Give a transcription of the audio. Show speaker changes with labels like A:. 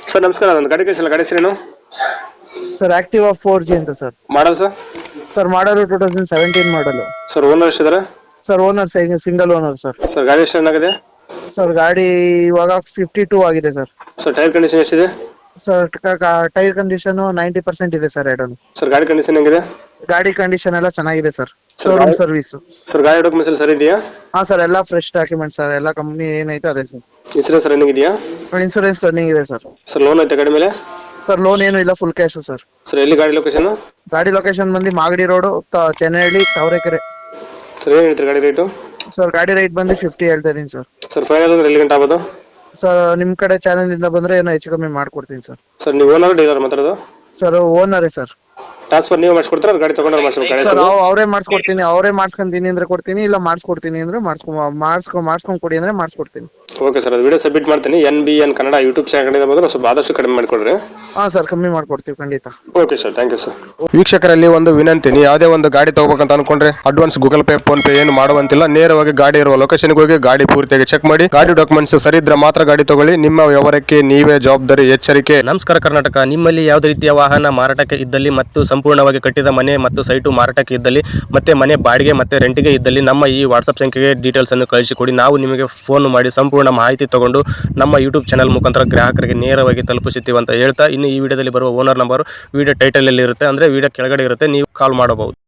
A: Sir ನಮಸ್ಕಾರ, ಒಂದು ಗಾಡಿ ಕಳಿಸಿಲ್ಲ, ಗಾಡಿ ಹೆಸರೇನು?
B: ಸರ್ ಆಕ್ಟಿವಾ 4G ಅಂತ ಸರ್.
A: Model sir?
B: ಸರ್ ಮಾಡಲು 2017 ಮಾಡಲು.
A: ಸರ್ ಓನರ್ ಎಷ್ಟಿದ್ದಾರೆ?
B: Sir owner single owner sir.
A: Sir ಗಾಡಿ ಎಷ್ಟು ಚೆನ್ನಾಗಿದೆ?
B: ಸರ್ ಗಾಡಿ ಇವಾಗ 52 ಆಗಿದೆ ಸರ್.
A: ಸರ್ ಟೈರ್ ಕಂಡೀಷನ್ ಎಷ್ಟಿದೆ?
B: ಸರ್ ಟೈರ್ ಕಂಡೀಷನ್ 90% ಇದೆ ಸರ್ ಎರಡನ್ನು.
A: ಸರ್ ಗಾಡಿ ಕಂಡೀಷನ್ ಹೆಂಗಿದೆ?
B: ಗಾಡಿ ಕಂಡೀಷನ್ ಎಲ್ಲ ಚೆನ್ನಾಗಿದೆ ಸರ್. Showroom service.
A: ಸರ್ ಗಾಡಿ ಡಾಕ್ಯುಮೆಂಟ್ಸ್ ಎಲ್ಲ ಸರಿ ಇದೆಯಾ?
B: ಹಾ ಸರ್, ಎಲ್ಲ ಫ್ರೆಶ್ ಡಾಕ್ಯುಮೆಂಟ್ ಸರ್. ಎಲ್ಲ ಕಂಪ್ನಿ ಏನೈತೆ ಅದೇ ಸರ್.
A: ಇನ್ಸೂರೆನ್ಸ್ ರನ್ನಿಂಗ್ ಇದೆಯಾ?
B: ಇನ್ಸೂರೆನ್ಸ್ ರನ್ನಿಂಗ್ ಇದೆ ಸರ್.
A: ಸರ್ ಲೋನ್ ಐತೆ ಗಾಡಿ ಮೇಲೆ?
B: ಸರ್ ಲೋನ್ ಏನು ಇಲ್ಲ, ಫುಲ್ ಕ್ಯಾಶ್ ಸರ್.
A: ಸರ್ ಎಲ್ಲಿ ಗಾಡಿ ಲೊಕೇಶನ್?
B: ಗಾಡಿ ಲೊಕೇಶನ್ ಬಂದು ಮಾಗಡಿ ರೋಡ್, ಚೆನ್ನಹಳ್ಳಿ, ತಾವರೆಕೆರೆ.
A: ಸರ್ ಏನು ಹೇಳ್ತೀರಿ ಗಾಡಿ ರೇಟು?
B: ಸರ್ ಗಾಡಿ ರೇಟ್ ಬಂದು 50 ಹೇಳ್ತಾ ಇದೀನಿ ಸರ್.
A: ಸರ್ ಫೈನಲ್ ಅಂದ್ರೆ ಎಲ್ಲಿ ಗಂಟೆ ಆಗ್ಬೋದು?
B: ಸರ್ ನಿಮ್ ಕಡೆ ಚಾನೆಲ್ ಇಂದ ಬಂದ್ರೆ ಏನೋ ಹೆಚ್ಚು ಕಮ್ಮಿ ಮಾಡ್ಕೊಡ್ತೀನಿ ಸರ್.
A: ಸರ್ ನೀವು ಓನರ್ ಡೀಲರ್ ಮಾತಾಡೋದು?
B: ಸರ್ ಓನರೇ ಸರ್.
A: ಟ್ರಾನ್ಸ್ಫರ್ ನೀವು ಮಾಡಿಸ್ಕೊಡ್ತಾರೆ, ಗಾಡಿ ತಗೊಂಡ್ರೆ ಮಾಡಿಸ್ಬೇಕು?
B: ಸರ್ ಅವರೇ ಮಾಡಿಸ್ಕೊಡ್ತೀನಿ, ಅವರೇ ಮಾಡಿಸ್ಕೊಂತೀನಿ ಅಂದ್ರೆ ಕೊಡ್ತೀನಿ, ಇಲ್ಲ ಮಾಡಿಸ್ಕೊಡ್ತೀನಿ ಅಂದ್ರೆ ಮಾಡಿಸ್ಕೊಂಡ್ ಕೊಡಿ ಅಂದ್ರೆ ಮಾಡಿಸ್ಕೊಡ್ತೀನಿ.
A: ಓಕೆ ಸರ್, ಅದು ವಿಡಿಯೋ ಸಬ್ಮಿಟ್ ಮಾಡ್ತೀನಿ. NBN ಕನ್ನಡ ಯೂಟ್ಯೂಬ್ ಚಾನಲ್ ಬಂದ್ರೆ ಸ್ವಲ್ಪ ಆದಷ್ಟು ಕಡಿಮೆ ಮಾಡಿಕೊಡ್ರಿ.
B: ಹಾ ಸರ್, ಕಮ್ಮಿ ಮಾಡ್ಕೊಡ್ತೀವಿ ಖಂಡಿತ.
A: Okay sir, thank you sir. ವೀಕ್ಷಕರಲ್ಲಿ ಒಂದು ವಿನಂತಿ, ನೀವು ಯಾವುದೇ ಒಂದು ಗಾಡಿ ತಗೋಬೇಕಂತ ಅನ್ಕೊಂಡ್ರೆ advance Google pay, PhonePe ಏನು ಮಾಡುವಂತಿಲ್ಲ. ನೇರವಾಗಿ ಗಾಡಿ ಇರುವ ಲೊಕೇಶನ್ಗೆ ಹೋಗಿ ಗಾಡಿ ಪೂರ್ತಿಯಾಗಿ ಚೆಕ್ ಮಾಡಿ, ಗಾಡಿ ಡಾಕ್ಯುಮೆಂಟ್ಸ್ ಸರಿ ಇದ್ರೆ ಮಾತ್ರ ಗಾಡಿ ತಗೊಳ್ಳಿ. ನಿಮ್ಮ ವ್ಯವಹಾರಕ್ಕೆ ನೀವೇ ಜವಾಬ್ದಾರಿ. ಎಚ್ಚರಿಕೆ.
C: ನಮಸ್ಕಾರ ಕರ್ನಾಟಕ. ನಿಮ್ಮಲ್ಲಿ ಯಾವುದೇ ರೀತಿಯ ವಾಹನ ಮಾರಾಟಕ್ಕೆ ಇದ್ದಲ್ಲಿ ಮತ್ತು ಸಂಪೂರ್ಣವಾಗಿ ಕಟ್ಟಿದ ಮನೆ ಮತ್ತು ಸೈಟು ಮಾರಾಟಕ್ಕೆ ಇದ್ದಲ್ಲಿ ಮತ್ತೆ ಮನೆ ಬಾಡಿಗೆ ಮತ್ತೆ ರೆಂಟಿಗೆ ಇದ್ದಲ್ಲಿ ನಮ್ಮ ಈ ವಾಟ್ಸಪ್ ಸಂಖ್ಯೆಗೆ ಡೀಟೇಲ್ಸ್ ಅನ್ನು ಕಳಿಸಿಕೊಡಿ. ನಾವು ನಿಮಗೆ ಫೋನ್ ಮಾಡಿ ಸಂಪೂರ್ಣ ಮಾಹಿತಿ ತಗೊಂಡು ನಮ್ಮ ಯೂಟ್ಯೂಬ್ ಚಾನಲ್ ಮುಖಾಂತರ ಗ್ರಾಹಕರಿಗೆ ನೇರವಾಗಿ ತಲುಪಿಸುತ್ತೀವಿ ಅಂತ ಹೇಳ್ತಾ, ಇನ್ನು ಈ ವಿಡಿಯೋದಲ್ಲಿ ಬರುವ ಓನರ್ ನಂಬರ್ ವಿಡಿಯೋ ಟೈಟಲ್ ಅಲ್ಲಿ ಇರುತ್ತೆ, ಅಂದ್ರೆ ವಿಡಿಯೋ ಕೆಳಗಡೆ ಇರುತ್ತೆ, ನೀವು ಕಾಲ್ ಮಾಡಬಹುದು.